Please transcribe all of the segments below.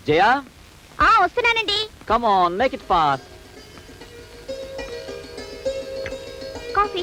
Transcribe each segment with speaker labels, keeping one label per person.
Speaker 1: జయా
Speaker 2: వస్తున్నానండి.
Speaker 1: Come on make it fast.
Speaker 2: Coffee.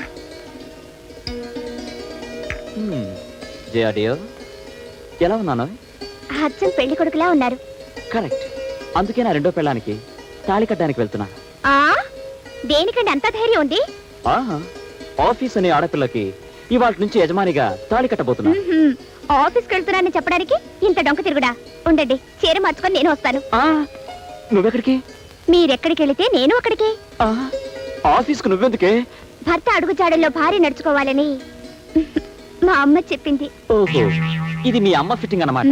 Speaker 1: Jaya dear, ఎలా ఉన్నాను?
Speaker 2: అచ్చం పెళ్లి కొడుకులా ఉన్నారు.
Speaker 1: కరెక్ట్. అందుకే నా రెండో పెళ్ళానికి తాళి కట్టడానికి వెళ్తున్నా.
Speaker 2: దేనికండి అంత ధైర్యం ఉంది?
Speaker 1: ఆఫీస్ అనే ఆడపిల్లకి ఇవాళ నుంచి యజమానిగా తాళి కట్టబోతున్నా.
Speaker 2: ఆఫీస్కి వెళ్తున్నానని చెప్పడానికి ఇంత డొంక తిరుగుడా? ఉండండి, చీర మార్చుకొని నేను వస్తాను.
Speaker 1: నువ్వెక్కడికి?
Speaker 2: మీరెక్కడికి వెళితే నేను అక్కడికి.
Speaker 1: ఆఫీస్కు నువ్వెందుకే?
Speaker 2: భర్త అడుగుజాడల్లో భార్య నడుచుకోవాలని మా అమ్మ చెప్పింది.
Speaker 1: ఓహో, ఇది మీ అమ్మ ఫిట్టింగ్ అన్నమాట.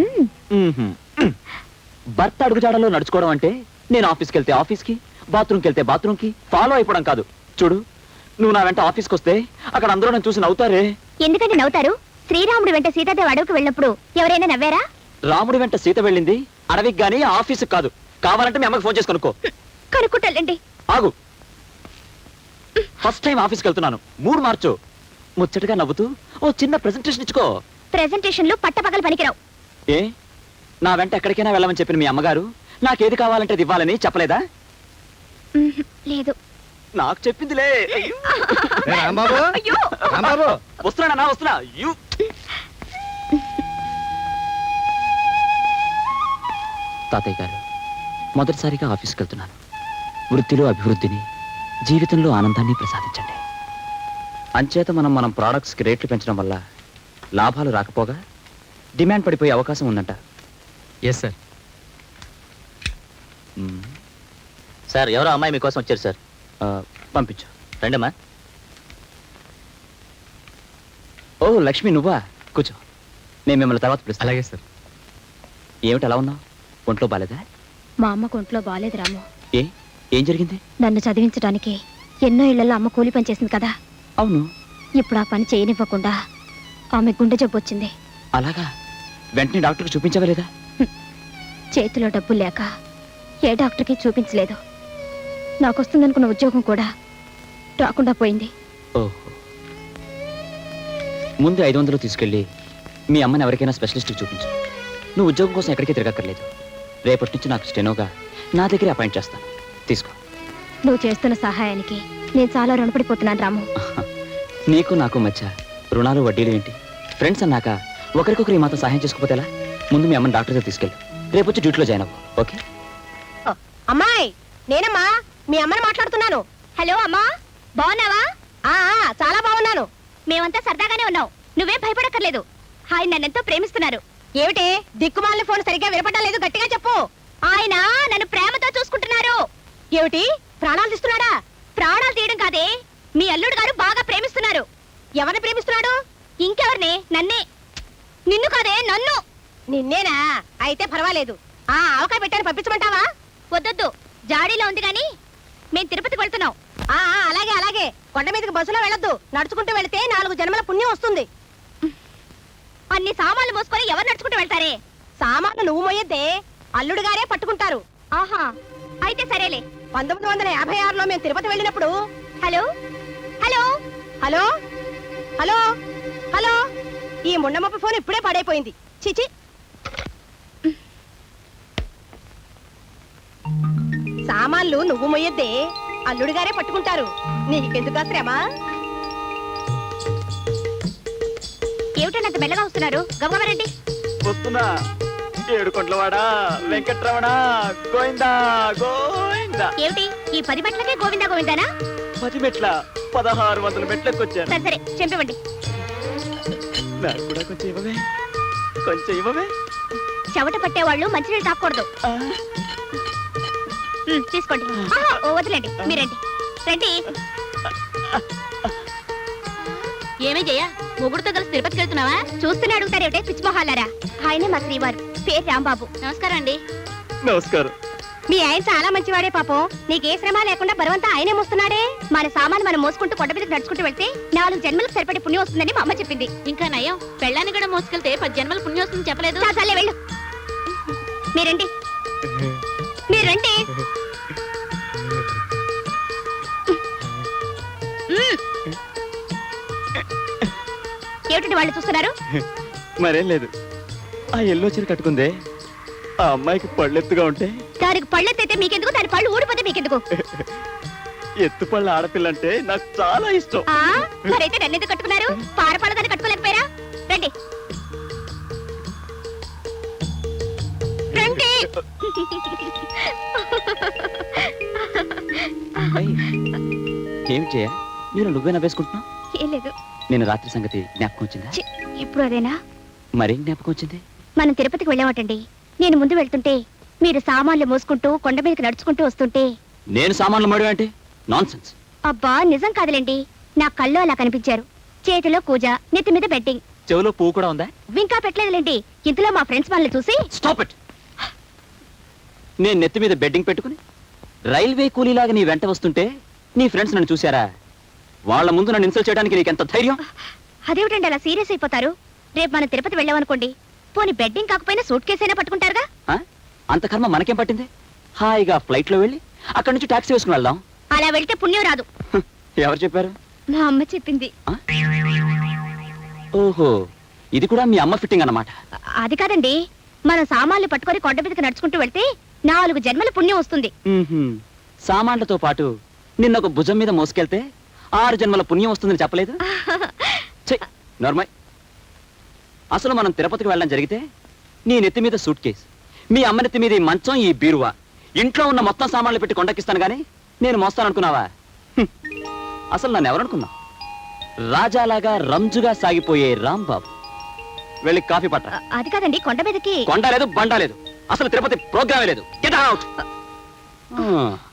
Speaker 1: భర్త అడుగుజాడల్లో నడుచుకోవడం అంటే నేను ఆఫీస్కి వెళ్తే ఆఫీస్కి, బాత్రూమ్కి వెళ్తే బాత్రూమ్కి ఫాలో అయిపోవడం కాదు. చూడు, నువ్వు నా వెంట ఆఫీస్కి వస్తే అక్కడ అందరూ నన్ను చూసి నవ్వుతారే.
Speaker 2: ఎందుకంటే నవ్వుతారు? శ్రీరాముడు వెంట సీతాదేవి అడవికి వెళ్ళినప్పుడు ఎవరైనా నవ్వారా?
Speaker 1: రాముడి వెంట సీత వెళ్ళింది అడవికి గానీ ఆఫీస్కి కాదు. కావాలంటే మీ అమ్మకి ఫోన్ చేసి కనుక్కో.
Speaker 2: కనుక్కుంటానండి.
Speaker 1: ఆగు. ఫస్ట్ టైం ఆఫీస్కి వెళ్తున్నాను, మూడు మార్చు. ముచ్చటగా నవ్వుతూ ఓ చిన్న ప్రెజెంటేషన్ ఇచ్చుకో.
Speaker 2: ప్రెజెంటేషన్లు పట్టపగలు పనికిరావు.
Speaker 1: ఏ, నా వెంట ఎక్కడికైనా వెళ్ళమని చెప్పిన మీ అమ్మగారు నాకేది కావాలంటే అది ఇవ్వాలని చెప్పలేదా?
Speaker 2: లేదు.
Speaker 1: నాకు చెప్పిందిలే. వస్తున్నా వస్తున్నా. తాతయ్య గారు, మొదటిసారిగా ఆఫీస్కి వెళ్తున్నాను. వృత్తిలో అభివృద్ధిని, జీవితంలో ఆనందాన్ని ప్రసాదించండి. అంచేత మనం ప్రోడక్ట్స్కి రేట్లు పెంచడం వల్ల లాభాలు రాకపోగా డిమాండ్ పడిపోయే అవకాశం ఉందంట.
Speaker 3: Yes sir.
Speaker 4: సార్, ఎవరో అమ్మాయి మీకోసం వచ్చారు సార్.
Speaker 1: పంపించు.
Speaker 4: రండమ్మా.
Speaker 1: ఓ లక్ష్మి, నువ్వా? కూర్చో, నేను మిమ్మల్ని తర్వాత పిలుస్తాను.
Speaker 3: అలాగే సార్.
Speaker 1: ఏమిటి అలా ఉన్నావు? ఒంట్లో బాలేదా?
Speaker 2: మా అమ్మకు ఒంట్లో బాలేదు రాము.
Speaker 1: ఏం జరిగింది?
Speaker 2: నన్ను చదివించడానికి ఎన్నో ఇళ్లలో అమ్మ కూలి పని చేసింది కదా.
Speaker 1: అవును.
Speaker 2: ఇప్పుడు ఆ పని చేయనివ్వకుండా ఆమె గుండె జబ్బు వచ్చింది.
Speaker 1: అలాగా? వెంటనే డాక్టర్కి చూపించవలేదా?
Speaker 2: చేతిలో డబ్బులు లేక ఏ డాక్టర్కి చూపించలేదు. నాకొస్తుందనుకున్న ఉద్యోగం కూడా రాకుండా పోయింది.
Speaker 1: ఓహో. ముందు 500 తీసుకెళ్ళి మీ అమ్మని ఎవరికైనా స్పెషలిస్ట్కి చూపించు. నువ్వు ఉద్యోగం కోసం ఎక్కడికి తిరగక్కర్లేదు. రేపటి నుంచి నాకు స్టెనోగా నా దగ్గరే అపాయింట్ చేస్తాను. తీసుకో.
Speaker 2: నువ్వు చేస్తున్న సహాయానికి నేను చాలా రుణపడిపోతున్నాను రాము.
Speaker 1: నీకు నాకు మధ్య రుణాలు వడ్డీలు ఏంటి? ఫ్రెండ్స్ అన్నాక ఒకరికొకరు ఈ మాత్రం సహాయం చేసుకోకపోతే ఎలా? ముందు మీ అమ్మని డాక్టర్ దగ్గర తీసుకెళ్ళు. రేపు వచ్చి డ్యూటీలో జాయిన్ అవ్వు. ఓకే?
Speaker 2: అమ్మాయి, నేనమ్మా, మీ అమ్మని మాట్లాడుతున్నాను. హలో అమ్మా, బాగున్నావా? చాలా బాగున్నాను. మేమంతా సరదాగానే ఉన్నాం. నువ్వేం భయపడక్కర్లేదు. ఆయన నన్నెంతో ప్రేమిస్తున్నారు. ఏమిటి దిక్కుమాలిన ఫోన్ సరిగ్గా వినపడడం లేదు? గట్టిగా చెప్పు. ఆయన నన్ను ప్రేమతో చూసుకుంటున్నారు. ఏమిటి, ప్రాణాలు తీస్తున్నాడా? ప్రాణాలు తీయడం కాదే, మీ అల్లుడు గారు బాగా ప్రేమిస్తున్నారు. ఎవరిని ప్రేమిస్తున్నాడు? ఇంకెవరిని? నన్నే. నిన్ను కాదే, నన్ను. నిన్నేనా? అయితే పర్వాలేదు. ఆవకాయ పెట్టాను, పంపించమంటావా? వద్దొద్దు, జాడీలో ఉంది గాని మేం తిరుపతికి వెళ్తున్నాం. అలాగే అలాగే. కొండ మీదకి బస్సులో వెళ్ళొద్దు, నడుచుకుంటూ వెళితే 4 జన్మల పుణ్యం వస్తుంది. అన్ని సామాన్లు మోసుకొని ఎవరు నడుచుకుంటూ వెళ్తారే? సామాన్లు నువ్వు మోయొద్దే, అల్లుడు గారే పట్టుకుంటారు. ఆహా, అయితే సరేలే. 1956లో మేము తిరుపతి వెళ్ళినప్పుడు. Hello hello hello hello hello, ఈ ముండమప్ప ఫోన్ ఇప్పుడే పడైపోయింది. చిచి. సామాన్లు నువ్వు మొయ్యద్దే, అల్లుడు గారే పట్టుకుంటారు. నీకెందుకు శ్రమ? ఏమిటంత మెల్లగా వస్తున్నారు? గవ్వరండి.
Speaker 1: వస్తున్నా. ఏడుకొండలవాడా వెంకట్రమణ గోవిందా గోవిందా.
Speaker 2: ఏమిటి ఈ 10 మెట్లకే గోవిందా గోవిందానా?
Speaker 1: 10 మెట్ల 1600 మెట్లకు వచ్చాను.
Speaker 2: సరే చెంపివ్వండి.
Speaker 1: నాకు కూడా కొంచెం ఇవ్వవే, కొంచెం ఇవ్వవే.
Speaker 2: చెమట పట్టేవాళ్ళు మంచినీళ్ళు తాకూడదు. తీసుకోండి. వదిలేండి, మీరండి. రండి. ఏమే జయ, మొగుడుతో కలిసి తిరుపతికి వెళ్తున్నావా? చూస్తూనే అడుగుతారేమిటే పిచ్చిమొహాలారా. ఆయనే మా శ్రీవారు, పేరు రాంబాబు. నమస్కారం అండి.
Speaker 1: నమస్కారం.
Speaker 2: మీ ఆయన చాలా మంచివాడే పాపం. నీకే శ్రమ లేకుండా బరువంతా ఆయనే మోస్తున్నాడే. మన సామాను మనం మోసుకుంటూ కొండ మీదకి నడుచుకుంటూ వెళ్తే 4 జన్మలకు సరిపడే పుణ్యం వస్తుందని మా అమ్మ చెప్పింది. ఇంకా నయం, పెళ్ళాన్ని కూడా మోసుకెళ్తే 10 జన్మల పుణ్యం వస్తుందని చెప్పలేదు. చాలే వెళ్ళు. మీరండి, మీరండి. ఏమిటండి వాళ్ళు చూస్తున్నారు?
Speaker 1: మరేం లేదు. ఆ ఎల్లో చీర కట్టుకుందే ఆ అమ్మాయికి పళ్ళెత్తుగా ఉంటే
Speaker 2: దానికి పళ్ళెత్తైతే మీకెందుకు, దాని పళ్ళు ఊడిపోతే మీకెందుకు?
Speaker 1: ఎత్తు పళ్ళ ఆడపిల్లంటే నాకు చాలా ఇష్టం.
Speaker 2: ఆ మరైతే నన్నెందుకు కట్టుకున్నారు? పారపాల దాన్ని కట్టుకోలేకపోయారా? రండి రండి.
Speaker 1: ఏమి చేయ నేను నువ్వే నవ్వేసుకుంటున్నావు?
Speaker 2: ఏం లేదు.
Speaker 1: నేను రాత్రి సంగతి జ్ఞాపకం వచ్చిందా?
Speaker 2: ఛీ, ఇప్పుడు అదేనా?
Speaker 1: మరేం జ్ఞాపకం వచ్చింది?
Speaker 2: మనం తిరుపతికి వెళ్ళామటండి. నేను ముందు వెళ్తుంటే మీరు సామాన్లు మోసుకుంటూ కొండ మీదకి నడుచుకుంటూ వస్తుంటే.
Speaker 1: నేను సామాన్లు మడి అంటే నాన్ సెన్స్.
Speaker 2: అబ్బా నిజం కాదులేండి, నా కళ్ళు అలా కనిపించారు. చేతిలో కూజ, నెత్తి మీద బెట్టింగ్.
Speaker 1: చెవిలో పువ్వు కూడా ఉందా?
Speaker 2: ఇంకా పెట్టలేదులేండి. ఇంతలో మా ఫ్రెండ్స్ వాళ్ళని చూసి
Speaker 1: స్టాప్ ఇట్. నేను నెత్తి మీద బెడ్డింగ్ పెట్టుకుని రైల్వే కూలీలాగా నీ వెంట వస్తుంటే నీ ఫ్రెండ్స్ నన్ను చూశారా? వాళ్ళ ముందు నన్ను ఇన్సల్ట్ చేయడానికి నీకెంత ధైర్యం?
Speaker 2: అదేమిటండి అలా సీరియస్ అయిపోతారు? రేపు మనం తిరుపతి వెళ్ళామనుకోండి, పోనీ బెడ్డింగ్ కాకపోయినా సూట్ కేసు అయినా పట్టుకుంటారుగా.
Speaker 1: ఆ? అంత కర్మ మనకేం పట్టింది? హాయిగా ఫ్లైట్ లో వెళ్ళి అక్కడి నుంచి టాక్సీ వేసుకుని వెళ్దాం.
Speaker 2: అలా వెళ్తే పుణ్యం రాదు.
Speaker 1: ఎవరు చెప్పారు?
Speaker 2: మా అమ్మ చెప్పింది.
Speaker 1: ఓహో, ఇది కూడా మీ అమ్మ ఫిట్టింగ్ అన్నమాట.
Speaker 2: అది కాదండి, మనం సామాన్లు పట్టుకొని కొండ మీదకి నడుచుకుంటూ వెళ్తే 4 జన్మల పుణ్యం వస్తుంది.
Speaker 1: సామాన్లతో పాటు నిన్న ఒక భుజం మీద మోసుకెళ్తే 6 జన్మల పుణ్యం వస్తుందని చెప్పలేదు? నార్మల్. అసలు మనం తిరుపతికి వెళ్ళడం జరిగితే నీ నెత్తి మీద సూట్ కేసు, మీ అమ్మ నెత్తి మీద ఈ మంచం, ఈ బీరువా, ఇంట్లో ఉన్న మొత్తం సామాన్లు పెట్టి కొండకిస్తాను గానీ నేను మోస్తాననుకున్నావా? అసలు నన్ను ఎవరనుకున్నావు? రాజాలాగా రంజుగా సాగిపోయే రాంబాబు. వెళ్ళి కాఫీ పట్ట.
Speaker 2: అది కాదండి, కొండ మీదకి
Speaker 1: కొండ లేదు, బండ లేదు, అసలు తిరుపతి ప్రోగ్రామే లేదు. Get out.